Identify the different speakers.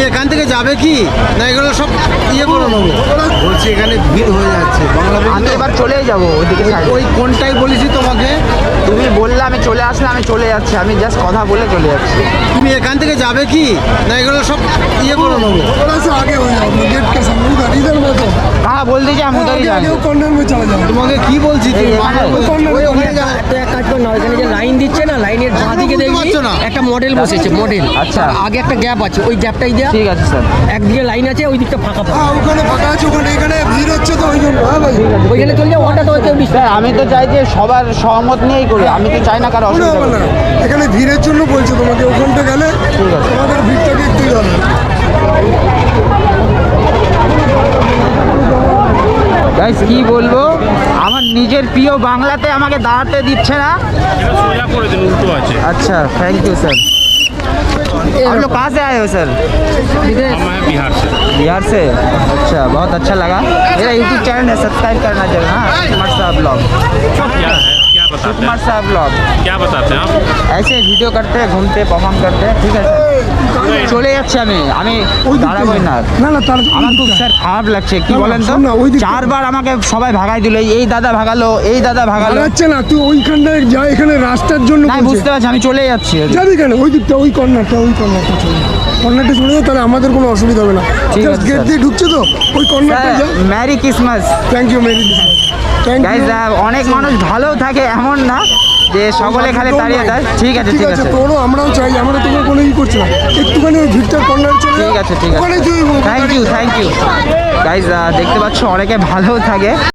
Speaker 1: এখান থেকে যাবে কি না এগুলো সব ইয়ে করে নেবো? বলছি এখানে ভিড় হয়ে যাচ্ছে
Speaker 2: আমি এবার চলেই যাবো ওইদিকে side এ।
Speaker 1: ওই কোনটাই বলেছি তোমাকে?
Speaker 2: তুমি বললে আমি চলে আসলে আমি চলে যাচ্ছি, আমি জাস্ট কথা বলে চলে যাচ্ছি।
Speaker 1: তুমি এখান থেকে যাবে কি না এগুলো সব ইয়ে করে নেবো?
Speaker 3: थोड़ा सा आगे हो जाओ, गेट के सामने उधर, इधर मत हो।
Speaker 2: হ্যাঁ বল দিয়েছি আমি উধারই
Speaker 3: आगे
Speaker 2: যাবো।
Speaker 3: वो कॉर्नर में चला जाओ।
Speaker 1: তোমাকে কি বলছি তুমি
Speaker 2: এই
Speaker 1: বাংলা
Speaker 2: এখানে?
Speaker 1: বলছো, ওই ওখানে যাও।
Speaker 4: তো এক কাজ কর না, ওইখানে যে লাইন দিচ্ছে না, লাইনের বাঁ দিকে
Speaker 1: বুঝতে
Speaker 4: দেখবি
Speaker 1: পারছো না?
Speaker 4: একটা মডেল বসেছে, মডেল।
Speaker 2: আচ্ছা।
Speaker 4: আগে একটা গ্যাপ আছে, ওই গ্যাপটাই দেয়া।
Speaker 2: ঠিক আছে স্যার।
Speaker 4: একদিকে লাইন আছে, ওই দিকটা ফাঁকা ফাঁকা।
Speaker 3: हाँ ওখানে ফাঁকা আছে, ওখানে এখানে ভিড় হচ্ছে তো ওই জন্য। হ্যাঁ ভাই,
Speaker 4: ওইখানে চলে যাও, ওটা তো কেউ
Speaker 2: স্যার আমি তো চাই যে সবার সহমত নিয়েই করি, আমি তো চাই না কারো
Speaker 3: কোনো
Speaker 2: অসুবিধা
Speaker 3: হবে না,
Speaker 2: হোক।
Speaker 3: এখানে ভিড়ের জন্য বলছে তোমাকে, ওখানটা গেলে
Speaker 2: ঠিক আছে।
Speaker 3: তোমাদের ভিড়টাকে একটু হবে।
Speaker 2: গাইস কি বলবো, আমার নিজের প্রিয় বাংলাতে আমাকে দাঁড়াতে দিচ্ছে না।
Speaker 5: এটা সোজা করে দিন, উল্টো আছে।
Speaker 2: अच्छा थैंक यू सर। आप लोग कहाँ से आए हो सर?
Speaker 5: हम हैं बिहार से।
Speaker 2: बिहार से। अच्छा बहुत अच्छा लगा। मेरा यूट्यूब चैनल है, सब्सक्राइब करना जरूर। हाँ कुमार साहब ब्लॉग।
Speaker 5: क्या है, क्या बताते
Speaker 2: कुमार
Speaker 5: हैं,
Speaker 2: साहब ब्लॉग
Speaker 5: क्या बताते हैं आप?
Speaker 2: ऐसे वीडियो करते हैं, घूमते परफॉर्म करते हैं। ठीक है सर চলে যাচ্ছি আমি দাঁড়াবোই না।
Speaker 3: না না তার
Speaker 2: আমার খুব স্যার খারাপ লাগছে, কি
Speaker 3: না, না,
Speaker 2: বলেন তো,
Speaker 3: শোন না, ওই দিকটা-
Speaker 2: চারবার আমাকে সবাই ভাগাই দিল, এই দাদা ভাগালো, এই দাদা ভাগালো।
Speaker 3: দাঁড়াচ্ছে না, তুই ওইখানটায় যা, এখানে রাস্তার জন্য
Speaker 2: না
Speaker 3: বলছে।
Speaker 2: বুঝতে পারছি, আমি চলে যাচ্ছি।
Speaker 3: যাবি কেন ওই দিকটা, ওই কর্নারটা চলে যাও। কর্নারটা চলে যাও, তাহলে আমাদের কোনো অসুবিধা হবে না।
Speaker 2: ঠিক
Speaker 3: জাস্ট
Speaker 2: আছে,
Speaker 3: গেট
Speaker 2: স্যার।
Speaker 3: দিয়ে ঢুকছে তো, ওই কর্নারটা যাও।
Speaker 2: Merry Christmas
Speaker 3: thank you merry thank
Speaker 2: guys.
Speaker 3: You.
Speaker 2: অনেক মানুষ ভালো থাকে এমন না যে সকলে খালি তাড়িয়ে দেয়। ঠিক আছে ঠিক আছে
Speaker 3: তোরও আমরাও চাই, আমরা তোমার কোনো ই করছি না, একটুখানি ওই ভিড়টার কর্নার চলে যাও।
Speaker 2: ঠিক আছে ঠিক
Speaker 3: ওখানে
Speaker 2: আছে
Speaker 3: তুই
Speaker 2: থ্যাংক ইউ গাইজ। দেখতে পাচ্ছ অনেকে ভালো থাকে।